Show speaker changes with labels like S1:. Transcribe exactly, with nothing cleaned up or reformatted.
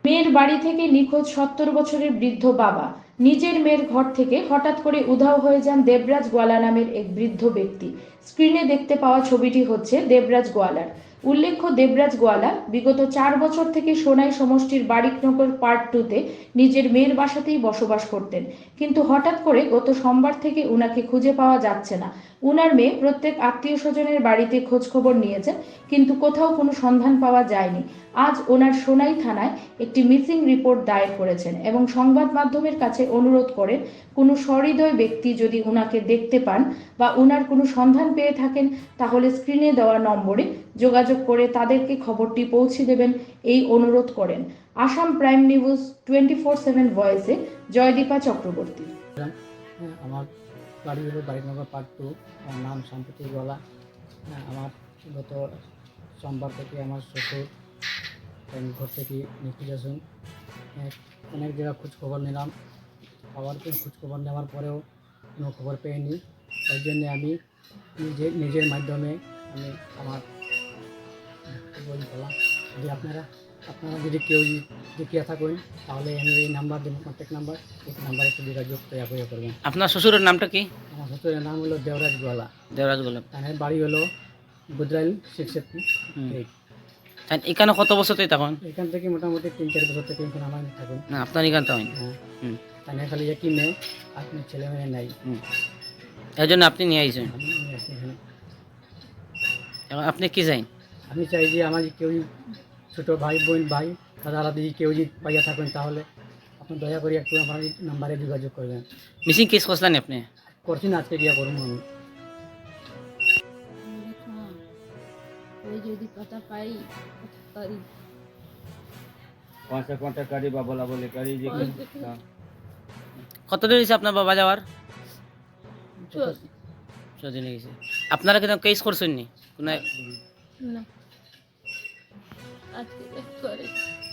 S1: মেয়ের বাড়ি থেকে নিখোঁজ সত্তর বছরের বৃদ্ধ বাবা। নিজের মেয়ের ঘর থেকে হঠাৎ করে উধাও হয়ে যান দেবরাজ গোয়ালা নামের এক বৃদ্ধ ব্যক্তি। স্ক্রিনে দেখতে পাওয়া ছবিটি হচ্ছে দেবরাজ গোয়ালার। উল্লেখ্য, দেবরাজ গোয়ালা বিগত চার বছর থেকে সোনাই সমষ্টির বারিকনগর পার্ট টুতে নিজের মেয়ের বাসাতেই বসবাস করতেন, কিন্তু হঠাৎ করে গত সোমবার থেকে উনাকে খুঁজে পাওয়া যাচ্ছে না। উনার মেয়ে প্রত্যেক আত্মীয় স্বজনের বাড়িতে খোঁজ খবর নিয়েছেন, কিন্তু কোথাও কোনো সন্ধান পাওয়া যায়নি। আজ ওনার সোনাই থানায় একটি মিসিং রিপোর্ট দায়ের করেছেন এবং সংবাদ মাধ্যমের কাছে অনুরোধ করেন কোনো সহৃদয় ব্যক্তি যদি উনাকে দেখতে পান বা উনার কোনো সন্ধান পেয়ে থাকেন তাহলে স্ক্রিনে দেওয়া নম্বরে যোগাযোগ করে তাদেরকে খবরটি পৌঁছে দেবেন, এই অনুরোধ করেন। Assam prime news twenty four seven ভয়েসে জয়দীপা চক্রবর্তী।
S2: আমার বাড়ি হলো বারিকনগর পার্ট টু। আমার নাম সম্প্রতি গোয়ালা। আমার গত সোমবার থেকে আমার শ্বশুর ঘর থেকে নিখোঁজ আছেন। অনেক জায়গা খোঁজ খবর নিলাম, আবার খোঁজ খবর নেওয়ার পরেও কোনো খবর পেইনি। তাই জন্যে আমি নিজে নিজের মাধ্যমে আমি আমার বললাম, যদি আপনারা আপনারা যদি কেউ দেখিয়া থাকেন তাহলে আমি এই নাম্বার দেবো, কন্ট্যাক্ট নাম্বার, এই নাম্বারে একটু যোগাযোগ তৈরি করে করবেন।
S3: আপনার শ্বশুরের নামটা কি?
S2: আমার শ্বশুরের নাম হলো দেবরাজ গোয়ালা।
S3: দেবরাজ গোয়ালা।
S2: তার বাড়ি হলো গুজরাইল সিক্স এইট।
S3: এখানে কত বছর থেকে তখন?
S2: এখান থেকে মোটামুটি তিন চার বছর থেকে এখানে আমার থাকুন।
S3: না, আপনার এখান তো হয়।
S2: হ্যাঁ, তাই খালি একই মেয়ে, আপনার ছেলে মেয়ে নাই।
S3: এই জন্য আপনি নিয়ে আইছেন।
S2: আমি নিয়ে আসি এখানে।
S3: এখন আপনি কি চাই?
S2: আমি চাই যে আমার কেউ ছোটো ভাই বোন ভাই দাদা দাদি কেউ যদি পাইয়া থাকেন তাহলে আপনি দয়া করে একটু আমার নাম্বারে যোগাযোগ করবেন।
S3: মিসিং কেস করছিলেন আপনি?
S2: করছি না, আজকে গিয়া করবো আমি।
S4: ওই যদি কথা পাই করি
S5: কौन-सा कॉन्टैक्ट करी बा बोला बोले करी जी।
S3: কত দিন হয়েছে আপনার বাবা যাওয়ার?
S4: চল
S3: ছদিন হয়েছে। আপনারা কিন্তু কেস করছেন নি? কোনো
S4: না আজকে করে